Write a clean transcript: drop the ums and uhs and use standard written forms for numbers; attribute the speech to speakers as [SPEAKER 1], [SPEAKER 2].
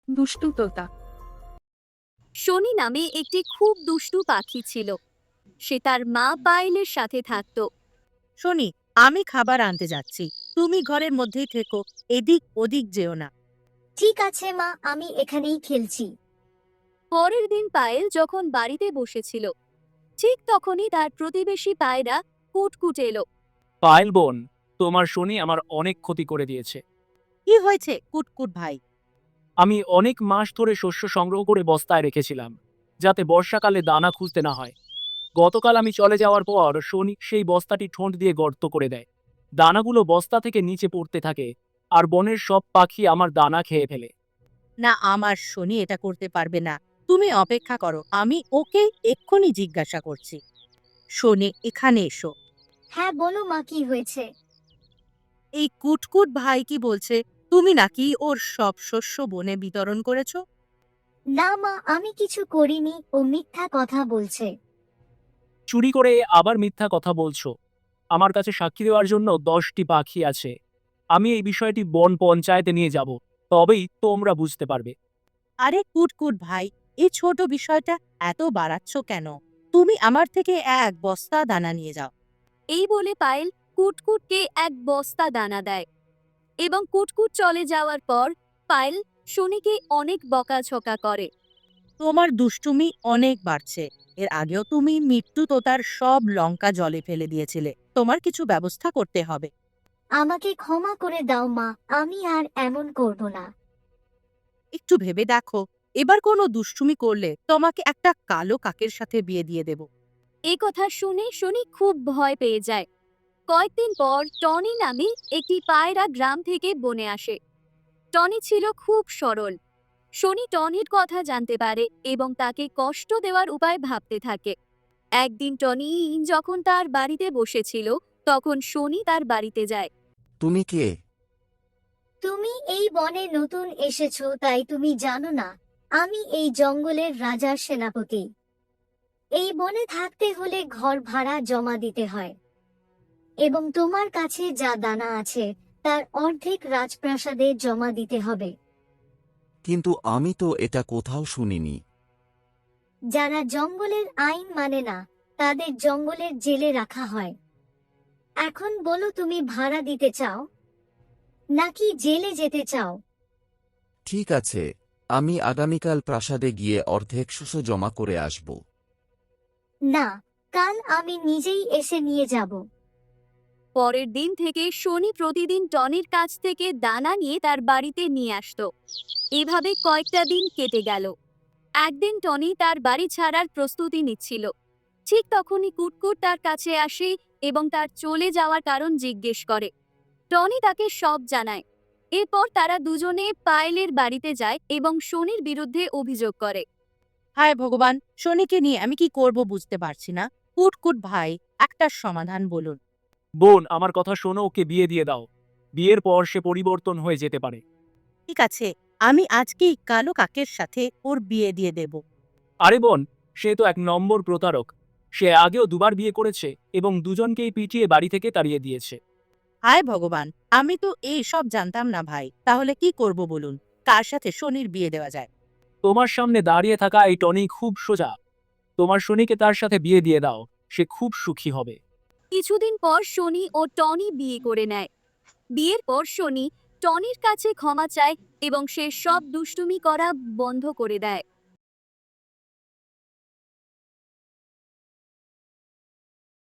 [SPEAKER 1] দুষ্টু তোতা।
[SPEAKER 2] শনি নামে একটি খুব দুষ্টু পাখি ছিল। সে তার মা পায়েলের সাথে থাকত।
[SPEAKER 3] শনি, আমি খাবার আনতে যাচ্ছি, তুমি ঘরের মধ্যেই থেকো, এদিক ওদিক যেও না।
[SPEAKER 4] ঠিক আছে মা, আমি এখানেই খেলছি।
[SPEAKER 2] পরের দিন পায়েল যখন বাড়িতে বসেছিল, ঠিক তখনই তার প্রতিবেশী পায়রা কুটকুট এলো।
[SPEAKER 5] পায়েল বোন, তোমার শনি আমার অনেক ক্ষতি করে দিয়েছে।
[SPEAKER 3] কি হয়েছে কুটকুট ভাই?
[SPEAKER 5] আমি অনেক মাস ধরে শস্য সংগ্রহ করে বস্তায় রেখেছিলাম, যাতে বর্ষাকালে দানা খুঁজতে না হয়। গতকাল আমি চলে যাওয়ার পর শনি সেই বস্তাটি ঠোঁট দিয়ে গর্ত করে দেয়। দানাগুলো বস্তা থেকে নিচে পড়তে থাকে, আর বনের সব পাখি আমার দানা খেয়ে ফেলে।
[SPEAKER 3] না, আমার শনি এটা করতে পারবে না। তুমি অপেক্ষা করো, আমি ওকে এক্ষুনি জিজ্ঞাসা করছি। শনি, এখানে এসো।
[SPEAKER 4] হ্যাঁ বলো মা, কি হয়েছে?
[SPEAKER 3] এই কুটকুট ভাই কি বলছে, তুমি নাকি ওর সব শস্য বনে বিতরণ করেছো?
[SPEAKER 4] না মা, আমি কিছু করিনি, ও মিথ্যা কথা বলছে।
[SPEAKER 5] চুরি করে আবার মিথ্যা কথা বলছো? আমার কাছে সাক্ষী দেওয়ার জন্য 10টি পাখি আছে। আমি এই বিষয়টি বন পঞ্চায়েতে নিয়ে যাব, তবেই তোমরা বুঝতে পারবে।
[SPEAKER 3] আরে কুটকুট ভাই, এই ছোট বিষয়টা এত বাড়াচ্ছ কেন? তুমি আমার থেকে এক বস্তা দানা নিয়ে যাও।
[SPEAKER 2] এই বলে পায়েল কুটকুটকে এক বস্তা দানা দেয়, এবং কুটকুট চলে যাওয়ার পর পায়েল শনিকে অনেক বকাঝকা করে।
[SPEAKER 3] তোমার দুষ্টুমি অনেক বাড়ছে। এর আগেও তুমি মৃত্যু তোতার সব লঙ্কা জলে ফেলে দিয়েছিলে। তোমার কিছু ব্যবস্থা করতে হবে।
[SPEAKER 4] আমাকে ক্ষমা করে দাও মা, আমি আর এমন করব না।
[SPEAKER 3] একটু ভেবে দেখো, এবার কোনো দুষ্টুমি করলে তোমাকে একটা কালো কাকের সাথে বিয়ে দিয়ে দেব।
[SPEAKER 2] এই কথা শুনে শনি খুব ভয় পেয়ে যায়। কয়েকদিন পর টনি নামে একটি পায়রা গ্রাম থেকে বনে আসে। টনি ছিল খুব সরল। শনি টনির কথা জানতে পারে এবং তাকে কষ্ট দেওয়ার উপায় ভাবতে থাকে। একদিন টনি যখন তার বাড়িতে বসেছিল, তখন শনি তার বাড়িতে যায়।
[SPEAKER 6] তুমি কে?
[SPEAKER 4] তুমি এই বনে নতুন এসেছো, তাই তুমি জানো না আমি এই জঙ্গলের রাজার সেনাপতি। এই বনে থাকতে হলে ঘর ভাড়া জমা দিতে হয়, এবং তোমার কাছে যা দানা আছে তার অর্ধেক রাজপ্রাসাদে জমা দিতে হবে।
[SPEAKER 6] কিন্তু আমি তো এটা কোথাও শুনিনি।
[SPEAKER 4] যারা জঙ্গলের আইন মানে না তাদের জঙ্গলের জেলে রাখা হয়। এখন বলো, তুমি ভাড়া দিতে চাও নাকি জেলে যেতে চাও?
[SPEAKER 6] ঠিক আছে, আমি আগামীকাল প্রাসাদে গিয়ে অর্ধেক শস্য জমা করে আসব।
[SPEAKER 4] না, কাল আমি নিজেই এসে নিয়ে যাব।
[SPEAKER 2] পরের দিন থেকে শনি প্রতিদিন টনির কাছ থেকে দানা নিয়ে তার বাড়িতে নিয়ে আসতো। এভাবে কয়েকটা দিন কেটে গেল। একদিন টনি তার বাড়ি ছাড়ার প্রস্তুতি নিচ্ছিল। ঠিক তখনই কুটকুট তার কাছে আসে এবং তার চলে যাওয়ার কারণ জিজ্ঞেস করে। টনি তাকে সব জানায়। এরপর তারা দুজনে পায়েলের বাড়িতে যায় এবং শনির বিরুদ্ধে অভিযোগ করে।
[SPEAKER 3] হায় ভগবান, শনিকে নিয়ে আমি কি করব বুঝতে পারছি না। কুটকুট ভাই, একটা সমাধান বলুন।
[SPEAKER 5] বোন, আমার কথা শোনো, ওকে বিয়ে দিয়ে দাও। বিয়ের পর সে পরিবর্তন হয়ে যেতে পারে।
[SPEAKER 3] ঠিক আছে, আমি আজকেই কালো কাকের সাথে ওর বিয়ে দিয়ে দেব।
[SPEAKER 5] আরে বোন, সে তো 1 নম্বর প্রতারক। সে আগেও দুবার বিয়ে করেছে এবং দুজনকেই পিটিয়ে বাড়ি থেকে তাড়িয়ে দিয়েছে।
[SPEAKER 3] হায় ভগবান, আমি তো এই সব জানতাম না ভাই। তাহলে কি করব বলুন? কার সাথে শনির বিয়ে দেওয়া যায়?
[SPEAKER 5] তোমার সামনে দাঁড়িয়ে থাকা এই টনি খুব সোজা। তোমার শনিকে তার সাথে বিয়ে দিয়ে দাও, সে খুব সুখী হবে।
[SPEAKER 2] কিছুদিন পর শনি ও টনি বিয়ে করে নেয়। বিয়ের পর শনি টনির কাছে ক্ষমা চায় এবং সে সব দুষ্টুমি করা বন্ধ করে দেয়।